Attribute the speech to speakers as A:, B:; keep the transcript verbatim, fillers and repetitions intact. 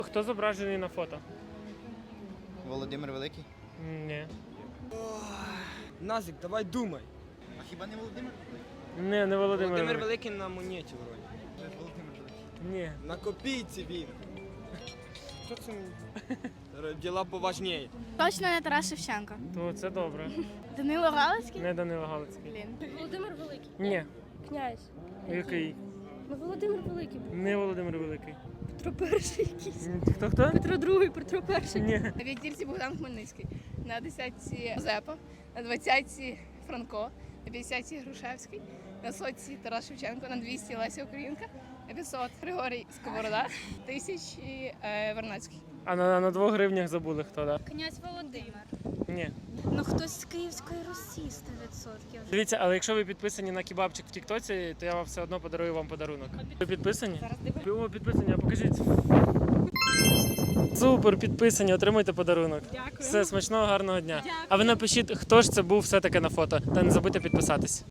A: Хто зображений на фото?
B: Володимир Великий?
A: Ні.
C: Назик, давай думай.
B: А хіба не Володимир Великий?
A: Не, не Володимир.
C: Володимир
A: Великий.
C: Великий на монеті вроді.
B: Це ж Володимир Великий.
A: Ні.
C: На копійці він. Що це? Діла поважніє.
D: Точно не Тарас Шевченко.
A: То це добре.
D: Данило Галицький?
A: Не Данило Галицький.
D: Блін.
E: Володимир Великий.
A: Ні.
E: Князь.
A: Який?
E: Ну, Володимир Великий був.
A: Не Володимир Великий.
E: Петро Перший якийсь.
A: Хто хто?
E: Петро Другий, Петро Перший.
A: Ні.
D: На п'ятірці Богдан Хмельницький, на десятці Мазепа, на двадцятці Франко, на п'ятдесятці Грушевський, на сотці Тарас Шевченко, на двісті Леся Українка, на п'ятсот Григорій Сковорода, тисячі е, Вернадський.
A: А на, на двох гривнях забули хто, так?
E: Князь Володимир.
A: Ні.
E: Ну хтось з Київської Русі сто відсотків.
A: Дивіться, але якщо ви підписані на кебабчик в Тіктоці, то я вам все одно подарую вам подарунок. Ви підписані?
E: Зараз дивись.
A: О, підписані, а покажіть. Супер, підписані, отримуйте подарунок.
E: Дякую.
A: Все, смачного, гарного дня.
E: Дякую.
A: А ви напишіть, хто ж це був все-таки на фото. Та не забудьте підписатись.